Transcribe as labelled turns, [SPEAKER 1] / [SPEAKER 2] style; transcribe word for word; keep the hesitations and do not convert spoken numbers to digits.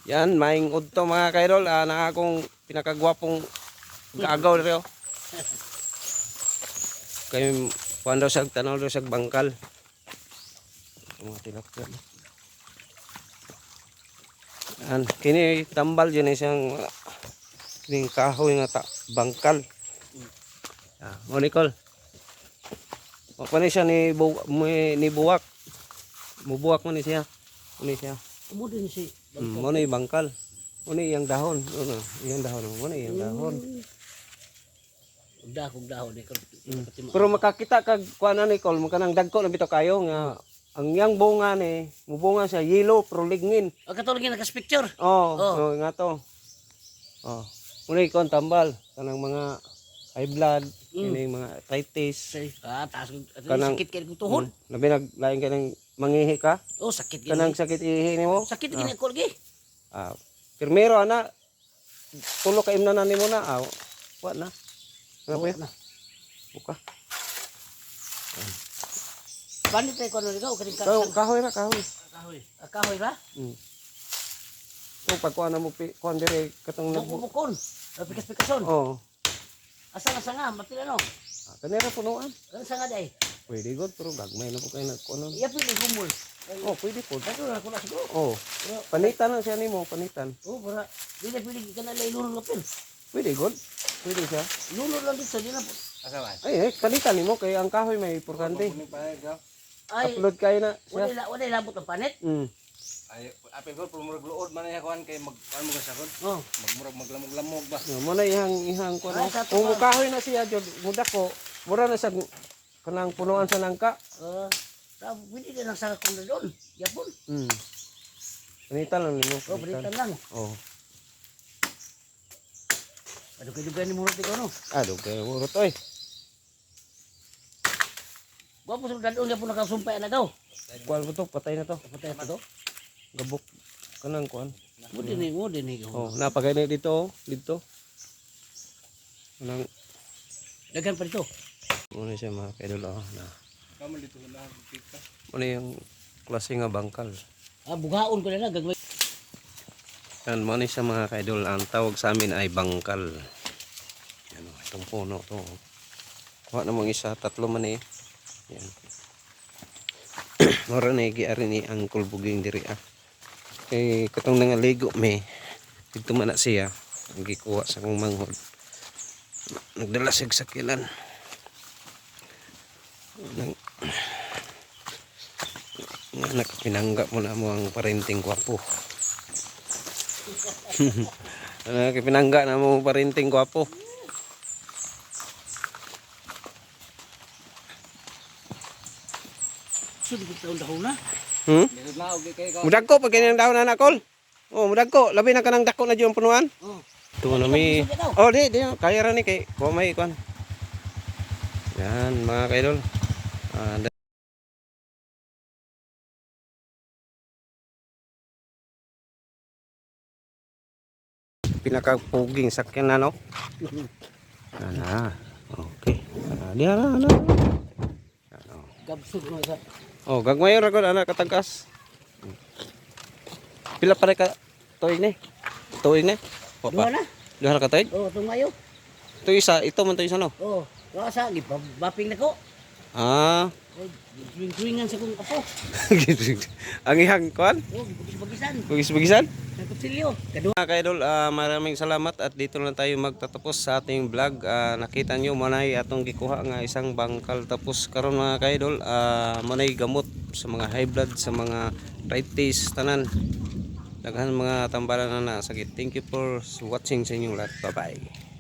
[SPEAKER 1] Yan, maing udto mga kaidol. Ah, na akong pinakagwapong gagaw rin. Kaya kuhan daw sa tanaw daw sa bangkal. Mga tilapia. Yan, kini tambal dyan isang uh, kining kahoy nga ta, bangkal. Ah, mo Nicole. Mapani siya ni, bu ni buwak. Mubuwak mo ni siya. Mo siya.
[SPEAKER 2] Mo din si
[SPEAKER 1] Mm, mo ni bangkal. Mo ni yang dahon. Ano, yang dahon. Mo ni yang dahon.
[SPEAKER 2] Udah kog dahon ni
[SPEAKER 1] Mm. Pero makakita kag kuan na Nicole, magkanang dagko na bitaw kayo nga ang yang bunga ni, mubunga siya yellow pero lignin.
[SPEAKER 2] O katulog nga naka-picture.
[SPEAKER 1] Oh,
[SPEAKER 2] Oh.
[SPEAKER 1] oh, nga to. Oh. Muna ikon tambal kanang mga high blood,
[SPEAKER 2] Mm.
[SPEAKER 1] ini mga arthritis.
[SPEAKER 2] Say, ah, taas kog
[SPEAKER 1] Kanang-
[SPEAKER 2] sakit kay kog tuhod.
[SPEAKER 1] Mm. Labi naglain ka ng mangihi ka,
[SPEAKER 2] Oh, sakit
[SPEAKER 1] kanang
[SPEAKER 2] gini.
[SPEAKER 1] sakit ihi nimo.
[SPEAKER 2] Sakit gini ko lagi.
[SPEAKER 1] Ah, primero ana tulo ka imnanan nimo na. Ah, wa na. Ano ba?
[SPEAKER 2] Na.
[SPEAKER 1] Buka.
[SPEAKER 2] Bani tay ko no ikaw kani ka.
[SPEAKER 1] Kahoy, kahoy ra, kahoy.
[SPEAKER 2] Kahoy. Ah, kahoy ra.
[SPEAKER 1] Mm. So pag kuan na mo pi, kuan dire katong nag
[SPEAKER 2] Bukon. Pikas-pikason.
[SPEAKER 1] Oh.
[SPEAKER 2] Asa nga sanga mapila no.
[SPEAKER 1] Ah, kanira punuan.
[SPEAKER 2] Ano sanga day?
[SPEAKER 1] Pwede god pero gagmay na po kayo nagkuan.
[SPEAKER 2] Iya pili gumul.
[SPEAKER 1] Oh, pwede po.
[SPEAKER 2] Dato na ko na siguro.
[SPEAKER 1] Oh. Panitan na siya nimo, panitan.
[SPEAKER 2] Oh, para di na pili ka na lay lulong lapin.
[SPEAKER 1] Pwede god. Pwede siya.
[SPEAKER 2] Lulong lang dito di na. Asawan.
[SPEAKER 1] Ay, eh, panitan nimo kay ang kahoy may porkante.
[SPEAKER 2] Ay,
[SPEAKER 1] Upload kayo na siya.
[SPEAKER 2] wala wala labot ang panit.
[SPEAKER 1] Mm.
[SPEAKER 3] Ay, apil ko pumurag luod man ya kuan kay mag ano mo kasakod.
[SPEAKER 2] Oh.
[SPEAKER 3] Magmurag maglamog-lamog ba.
[SPEAKER 1] No, mo na ihang ihang kuan.
[SPEAKER 2] Ay, sa
[SPEAKER 1] Kung
[SPEAKER 2] tuwa.
[SPEAKER 1] kahoy na siya jud, muda ko. Mura na sa kanang punuan sa nangka.
[SPEAKER 2] Uh, pwede din ang sanga kong doon. Yapon.
[SPEAKER 1] Mm. Panitan lang nimo.
[SPEAKER 2] Oh, balitan lang.
[SPEAKER 1] Oh.
[SPEAKER 2] Aduh kayo gani murot ikaw no.
[SPEAKER 1] Ado kay urot oy.
[SPEAKER 2] Wa po sa dadon yapon nakasumpay na daw.
[SPEAKER 1] Kuan mo to, patay na to.
[SPEAKER 2] Patay pa to.
[SPEAKER 1] Gabok kanang kuan.
[SPEAKER 2] Mo din ni mo din ni.
[SPEAKER 1] Oh, napagay na dito, oh. Dito. Kanang
[SPEAKER 2] Dagan pa dito.
[SPEAKER 1] muna siya mga kaidol oh, na.
[SPEAKER 3] Kamu dito na kita.
[SPEAKER 1] Muna yung klase nga bangkal.
[SPEAKER 2] Ah, bugaon ko na na gagmay.
[SPEAKER 1] Yan, muna siya mga kaidol. Ang tawag sa amin ay bangkal. Yan oh, itong puno to. Kuha namang isa, tatlo man eh. Yan. Mara na igiari ni ang kulbuging diri ah. Kay katong nangaligo me. Dito man na siya. Ang gikuha sa kong manghod. Nagdala siya sa sakilan. Nang nga nakapinangga mo na mo ang parenting kwapo. Nakapinangga na mo ang parenting kwapo.
[SPEAKER 2] Sud ko taon dahon na.
[SPEAKER 1] Hmm?
[SPEAKER 3] Dito na og kay ka.
[SPEAKER 1] Mudag ko pag ganyan daw na nakol. Oh, mudag ko. Labi na kanang dako na diyon punuan.
[SPEAKER 2] Oh.
[SPEAKER 1] Ito na mi. Oh, di, di. Kaya ra ni kay kuha may kuan. Yan mga kaidol. Ah, pinakapuging sakyan na no. Ana. Okay. Ah, di ara ana. Ano.
[SPEAKER 2] Gabsug mo sa.
[SPEAKER 1] Oh, gagmay ra gud ana katangkas. Pila pa ka tuig ni? Tuig ni?
[SPEAKER 2] Duha
[SPEAKER 1] Papa.
[SPEAKER 2] na.
[SPEAKER 1] Duha ra ka tuig?
[SPEAKER 2] Oh, tumayo.
[SPEAKER 1] Ito isa, ito man to isa no.
[SPEAKER 2] Oh, wa sa gi baping nako.
[SPEAKER 1] Ah.
[SPEAKER 2] Swing-swingan sa kong apo.
[SPEAKER 1] Ang ihang kuan?
[SPEAKER 2] Oh, bagis-bagisan.
[SPEAKER 1] Bugis-bugisan?
[SPEAKER 2] Sa kutsilyo. Kadua.
[SPEAKER 1] Mga kaidol, ah, maraming salamat at dito lang tayo magtatapos sa ating vlog. Ah, nakita nyo manay atong gikuha nga isang bangkal, tapos karon mga kaidol, ah, manay gamot sa mga high blood, sa mga arthritis tanan, daghan mga tambalan na nasakit. Thank you for watching sa inyong lahat. Bye bye.